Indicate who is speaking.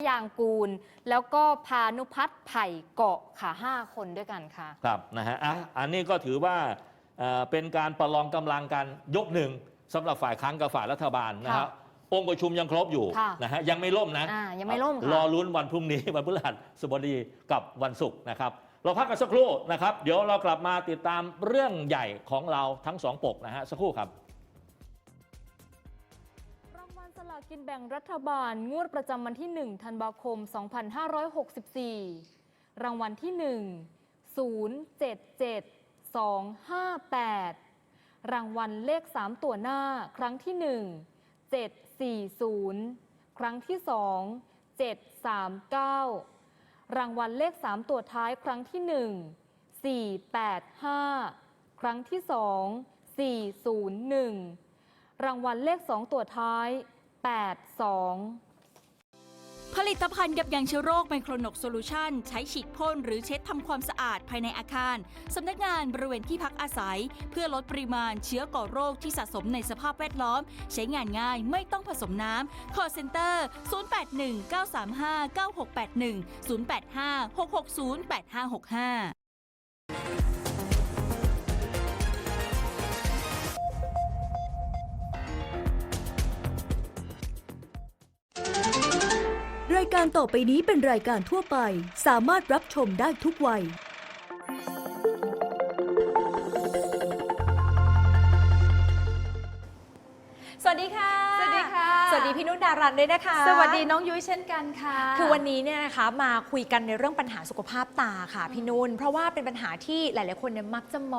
Speaker 1: ยางกูลแล้วก็พานุพัฒน์ไผ่เกาะค่ะ5 คนด้วยกันค่ะ
Speaker 2: ครับนะฮะอันนี้ก็ถือว่าเป็นการประลองกำลังกันยกหนึ่งสำหรับฝ่ายค้านกับฝ่ายรัฐบาลนะครับองค์ประชุมยังครบอยู่นะฮะยังไม่ล่มนะ
Speaker 1: ยังไม่ล่มค่ะ
Speaker 2: รอลุ้นวันพรุ่งนี้วันพฤหัสบดีกับวันศุกร์นะครับเราพักกันสักครู่นะครับเดี๋ยวเรากลับมาติดตามเรื่องใหญ่ของเราทั้งสองปกนะฮะสักครู่ครับ
Speaker 1: รางวัลสลากกินแบ่งรัฐบาลงวดประจำวันที่1 ธันวาคม 2564 รางวัลที่ 1 077258 รางวัลเลข3 ตัวหน้าครั้งที่ 1 740 ครั้งที่ 2 739 รางวัลเลข3 ตัวท้ายครั้งที่ 1 485 ครั้งที่ 2 401 รางวัลเลข2 ตัวท้าย82
Speaker 3: ผลิตภัณฑ์ยับยั้งเชื้อโรคไมโครนกโซลูชันใช้ฉีดพ่นหรือเช็ดทำความสะอาดภายในอาคารสำนักงานบริเวณที่พักอาศัยเพื่อลดปริมาณเชื้อก่อโรคที่สะสมในสภาพแวดล้อมใช้งานง่ายไม่ต้องผสมน้ำ Call Center 0819359681 0856608565
Speaker 4: รายการต่อไปนี้เป็นรายการทั่วไปสามารถรับชมได้ทุกวัย
Speaker 5: สวัสดีค่ะ
Speaker 1: สวัสดีค่ะ
Speaker 5: สวัสดีพี่นุ่นดารันด้วยนะคะ
Speaker 1: สวัสดีน้องยุ้ยเช่นกันค่ะ
Speaker 5: คือวันนี้เนี่ยนะคะมาคุยกันในเรื่องปัญหาสุขภาพตาค่ะพี่นุ่นเพราะว่าเป็นปัญหาที่หลายๆคนเนี่ยมักจะมอง